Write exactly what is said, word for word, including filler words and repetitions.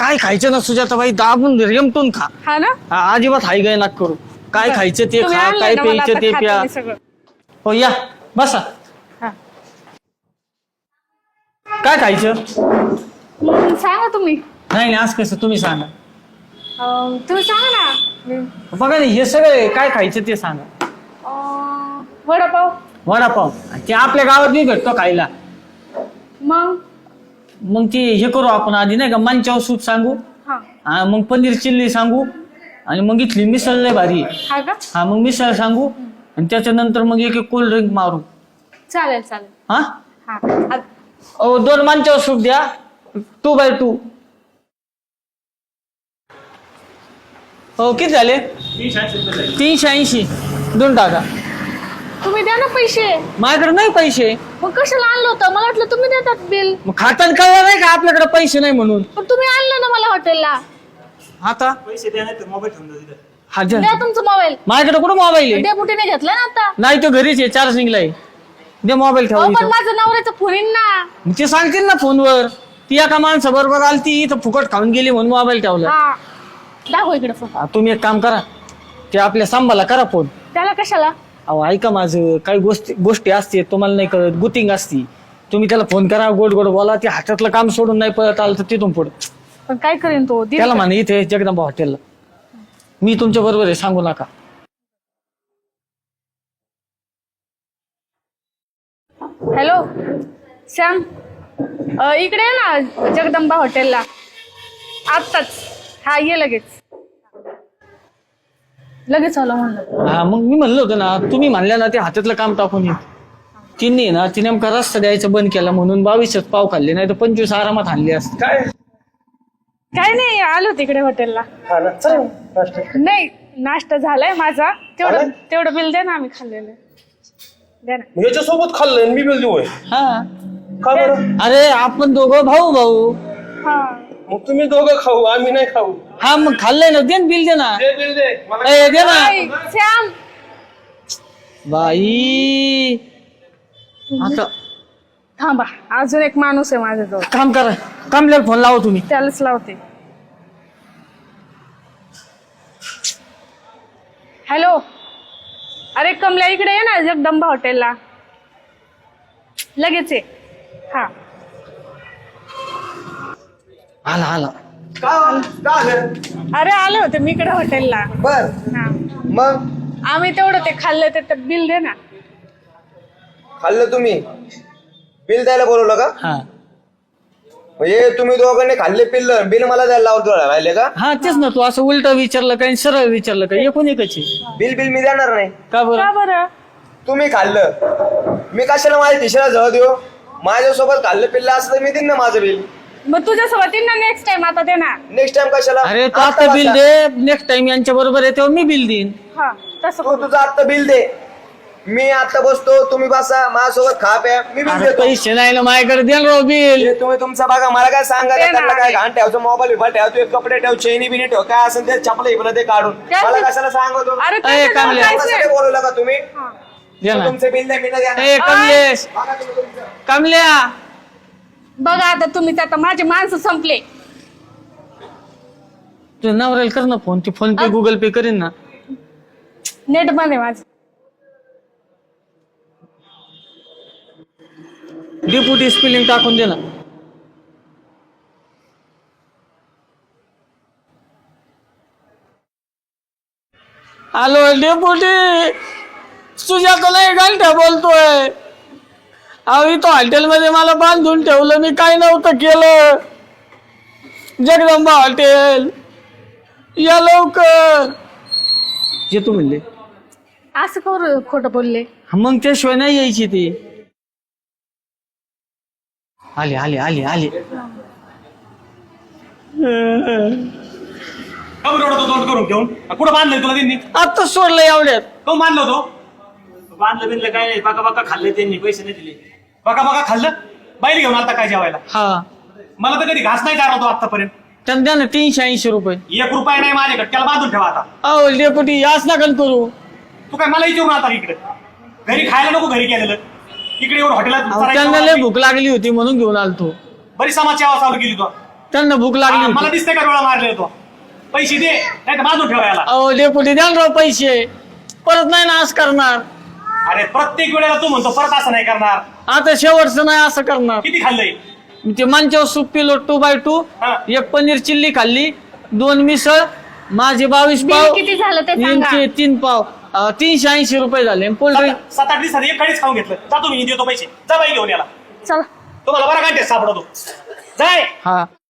काय खायचं ना सुजाताबाई दाबून रेमटून खा. हा ना हा, अजिबात हाय गाय नाक करू. काय खायचं ते तुम्ही खा, आणलंय काय ना, मला प्यायचं आता ते खाते प्या. मी सगळं. हो या बसा. हा. काय खायचं? मग सांगा तुम्ही. नाही नाही असं कसं तुम्ही सांगा. अं, तुम्ही सांगा ना. मी- बघा ना हे सगळं काय खायचं ते सांगा. अं, वडापाव. वडापाव ते आपल्या गावात नाही भेटतो खायला. मग मग ते हे करू आपण आधी नाही का मंचाव सूप सांगू. हा हा, मग पनीर चिल्ली सांगू आणि मग इथली मिसळ लय भारी आहे. हा का हा मग मिसळ सांगू आणि त्याच्यानंतर मग एक एक कोल्ड ड्रिंक मारू. चालेल चालेल. हा हा आ- ओ दोन मंचाव सूप द्या टू बाय टू. हो किती झाले? तीनशे ऐंशी दोन टाका. तुम्ही द्या ना पैसे. माझ्याकडे नाही पैसे. मग कशाला आणलं होतं? मला वाटलं तुम्ही देतात बिल. मग खाताना कळलं नाही का आपल्याकडे पैसे नाही म्हणून. पण तुम्ही आणलं ना मला हॉटेलला. आता पैसे द्या नाही तर मोबाईल ठेवून द्या तिथं. हा द्या. द्या तुमचा मोबाईल. माझ्याकडे कुठं मोबाईल आहे? डेपुटीने घेतला ना आता. नाही तो घरीच आहे चार्जिंगला आहे. दे मोबाईल ठेवा अहो, पण इथं. माझं नवऱ्याचं फोन येईन ना. मग ते सांगतील ना फोनवर. ती एका माणसा बरोबर आली ती इथं फुकट खाऊन गेली म्हणून मोबाईल ठेवला. हा दाखव इकडे फोन. हा, तुम्ही एक काम करा ते आपल्या सांबाला करा फोन. त्याला कशाला? अहो ऐका माझं काही गोष्टी गोष्टी असते तुम्हाला नाही कळत गुटिंग असती. तुम्ही त्याला फोन करा गोड गोड बोला ते हातातलं काम सोडून नाही पळत आलं तर तिथून पुढे पण काय करेन तो? दिल त्याला का? म्हणा इथे जगदंबा हॉटेलला मी तुमच्या बरोबर आहे सांगू नका. हॅलो श्याम अ, इकडे ये ना जगदंबा हॉटेलला आत्ताच. हा ये लगेच लगेच आलो म्हणलं. हा मग मी म्हणलं होतं ना तुम्ही म्हणल्या ना ते हातातलं काम टाकून येत. तिने ना ती नेमका रस्ता द्यायचा बंद केला म्हणून बावीसच पाव खाल्ले नाही तर पंचवीस आरामात खाल्ले असते. काय काय नाही आलो तिकडे हॉटेलला. हा ना चल नाश्ता. नाही नाश्ता झालाय माझा. तेवढं झालाय? तेवढं बिल द्या ना आम्ही खाल्लेलं. द्या ना. मग याच्यासोबत खाल्लं मी बिल देऊ हा का बरं? अरे आपण दोघं भाऊ भाऊ. हा मग तुम्ही दोघं खाऊ आम्ही नाही खाऊ. हा मग खाल्लंय ना दे ना बिल दे ना. दे बिल दे मला. ए, दे ना ऐ, श्याम बाई. आता थांबा अजून एक माणूस आहे माझ्याजवळ. काम करा कामल्याला फोन लावा तुम्ही. त्यालाच लावते. हॅलो अरे कमल्या इकडे ये ना जगदंबा हॉटेलला लगेच ये. हा आला आला. का का झालं? अरे आले होते मी इकडे हॉटेलला. बर हा मग आम्ही तेवढं ते खाल्लं ते ते बिल दे ना. खाल्लं तुम्ही बिल द्यायला बोलवलं का? हा म्हणजे तुम्ही दोघांनी खाल्ले पिल्लं बिल मला द्यायला लावत राहिले का? हा तेच ना तू असं उलट विचारलं काय सरळ विचारलं काय एकूण एकच आहे. बिल बिल मी देणार नाही. का बरं? का बरं? तुम्ही खाल्लं मी कशाला माझ्या खिशाला जवळ देऊ? माझ्यासोबत खाल्लं पिल्लं असं तर मी देईन ना माझं बिल. मग तुझ्यासोबत येईन ना नेक्स्ट टाइम. आता दे ना. नेक्स्ट टाइम कशाला? अरे तू आता आता बिल बसा. दे नेक्स्ट टाइम यांच्या बरोबर आहे तेव्हा मी बिल देईन. हा तसं तू करू. तुझं आता बिल दे. मी आता बसतो तुम्ही बसा माझ्यासोबत खा प्या मी बिल अरे देतो. पैसे नाही ना माझ्याकडे द्या ना राव बिल. हे तुम्ही तुमचं बघा मला काय सांगा दे ना. त्यांना काय घाण ठेवतो मोबाईल बिबाईल ठेवतो एक कपडे ठेव चेनी बिनी ठेव काय असेल ते चपला इकडे ते काढून काय मला ते- कशाला सांगतो? अरे अय, त्याच्याजवळ कामले. काहीच नाही. कशाला बोलवलं का तुम्ही? हा. द्या ना. तुमचे बिल द्या मी नाही देणार. ए कमलेश बघा तुम्ही तुमचं. कमल्या बघा आता तुम्हीच आता माझे माणसं संपले. तू नवऱ्याला कर ना फोन. ते फोन पे गुगल पे करीन ना. नेट बंद आहे माझं. डिपुटी स्पेलिंग टाकून दे ना. हॅलो डेपुटी सुजाता नाही घंटा बोलतोय. अहो इथं हॉटेलमध्ये मला बांधून ठेवलं मी काय नव्हतं केलं. जगदंबा हॉटेल या लवकर येतो म्हणले. असं करू खोटं बोलले. हा, मग त्याशिवाय नाही यायची ती. आले आले आले आले. का बरं एवढं तो तोंड करून घेऊन कुठं बांधलंय तुला त्यांनी? आता सोडलं एवढ्यात. तो बांधलं होतो बांधलं बिनलं काय नाही बाका बाका खाल्ले त्यांनी पैसे नाही दिले. बाका बाका खाल्लं बाहेर घेऊन आता काय जेवायला. हा मला तर कधी घास नाही चारला तो आतापर्यंत. त्यांना द्या ना तीनशे ऐंशी रुपये. एक रुपया नाही माझ्याकडे त्याला बांधून ठेवा आता. अहो डेपुटी याच नका करू. तू काय मला विचारून आता इकडे घरी खायला नको घरी केलेलं इकडे एवढं अहो, त्यांना लय हॉटेलात भूक लागली होती म्हणून घेऊन आलतो. बरी समाजची आवाज चालू केली तो. त्यांना भूक लागली हा, होती. मला दिसतंय का डोळा मारले तो पैसे दे नाही तर बांधून ठेवा याला. अहो डेपुटी द्या ना राव पैसे, परत नाही ना असं करणार. अरे प्रत्येक वेळेला तू म्हणतो परत असं नाही करणार. आता शेवटचं नाही असं करणार. किती खाल्लंय? ते मंचावर सूप पिलो टू बाय टू, हा. एक पनीर चिल्ली खाल्ली, दोन मिसळ, माझे बावीस बिल पाव, किती झालं ते सांगा. यांचे तीन पाव, अं, तीनशे ऐंशी रुपये झाले. कोल्ड्रिंक सात सात आठ दिवसात एक काळीच खाऊन घेतलं. जातो मी देतो पैसे. जा बाई घेऊन याला. चला तुम्हाला बरा काय सापडतो. जाय. हा